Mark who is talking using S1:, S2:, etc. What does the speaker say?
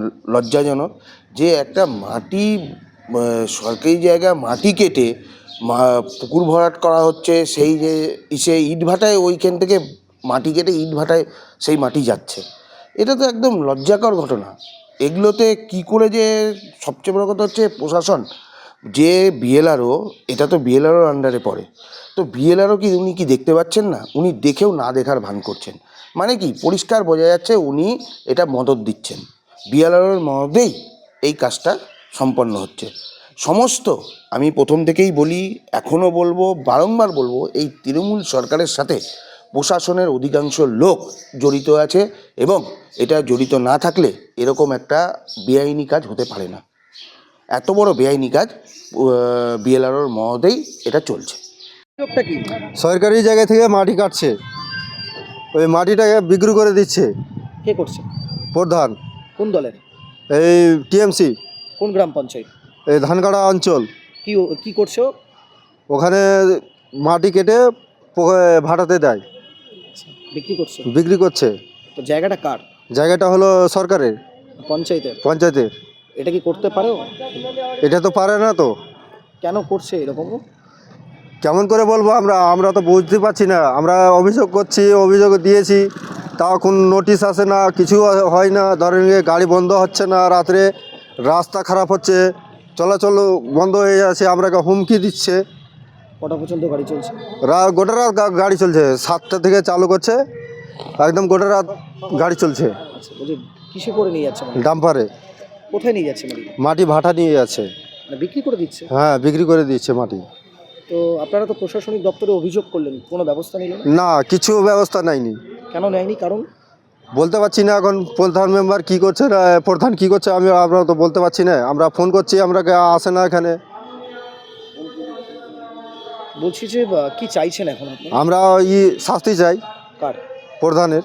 S1: লজ্জাজনক যে একটা মাটি সরকারি জায়গা মাটি কেটে পুকুর ভরাট করা হচ্ছে, সেই যে ইটভাটায় ওইখান থেকে মাটি কেটে ইটভাটায় সেই মাটি যাচ্ছে। এটা তো একদম লজ্জাকর ঘটনা। এগুলোতে কি করে যে, সবচেয়ে বড় কথা হচ্ছে প্রশাসন যে বিএলআরও, এটা তো বিএলআরওর আন্ডারে পড়ে, তো বিএলআরও কি উনি কি দেখতে পাচ্ছেন না? উনি দেখেও না দেখার ভান করছেন। মানে কি, পরিষ্কার বোঝা যাচ্ছে উনি এটা মদত দিচ্ছেন, বিএলআরওর মদতেই এই কাজটা সম্পন্ন হচ্ছে। সমস্ত, আমি প্রথম থেকেই বলি, এখনও বলবো, বারংবার বলবো, এই তৃণমূল সরকারের সাথে প্রশাসনের অধিকাংশ লোক জড়িত আছে, এবং এটা জড়িত না থাকলে এরকম একটা বেআইনি কাজ হতে পারে না। এত বড় বেআইনি কাজ বিএলআরওর মহতেই এটা চলছে।
S2: কি
S3: সরকারি জায়গা থেকে মাটি কাটছে, ওই মাটিটাকে বিক্রি করে দিচ্ছে।
S2: কে করছে?
S3: প্রধান
S2: কোন দলের?
S3: এই টিএমসি,
S2: কোন গ্রাম পঞ্চায়েত?
S3: এই ধানকাটা অঞ্চল।
S2: কি করছো?
S3: ওখানে মাটি কেটে ভাড়াতে দেয়,
S2: বিক্রি করছে।
S3: বিক্রি করছে।
S2: তো জায়গাটা কার?
S3: জায়গাটা হলো সরকারের,
S2: পঞ্চায়েতের।
S3: পঞ্চায়েতের।
S2: এটা কি করতে পারো?
S3: এটা তো পারে না তো।
S2: কেন করছে এরকম?
S3: কেমন করে বলবো, আমরা তো বুঝতে পারছি না। আমরা অভিযোগ করছি, অভিযোগ দিয়েছি, তাও কোনো নোটিশ আসে না, কিছু হয় না। ধরেন গাড়ি বন্ধ হচ্ছে না, রাত্রে রাস্তা খারাপ হচ্ছে, চলাচল বন্ধ হয়ে যাচ্ছে, আমরাকে হুমকি দিচ্ছে।
S2: কটা পর্যন্ত গাড়ি চলছে?
S3: গোটা রাত গাড়ি চলছে, 7টা থেকে চালু করছে, একদম গোটা রাত গাড়ি চলছে।
S2: আচ্ছা, বলছি কিসে করে নিয়ে যাচ্ছে?
S3: ডাম্পারে
S2: কোথায় নিয়ে যাচ্ছে মাটি?
S3: মাটি ভাটা নিয়ে যাচ্ছে।
S2: মানে বিক্রি করে দিচ্ছে?
S3: হ্যাঁ, বিক্রি করে দিচ্ছে মাটি।
S2: তো আপনারা তো প্রশাসনিক দপ্তরে অভিযোগ করলেন, কোনো ব্যবস্থা নিল না?
S3: না, কিছু ব্যবস্থা নেয়নি।
S2: কেন নেয়নি? কারণ
S3: বলতে পারছি না। এখন প্রধান মেম্বার কী করছে না, প্রধান কী করছে আমরা তো বলতে পারছি না। আমরা ফোন করছি, আমরাকে আসে না এখানে।
S2: বলছি যে কি চাইছেন এখন আপনি?
S3: আমরা শাস্তি চাই
S2: কার?
S3: প্রধানের।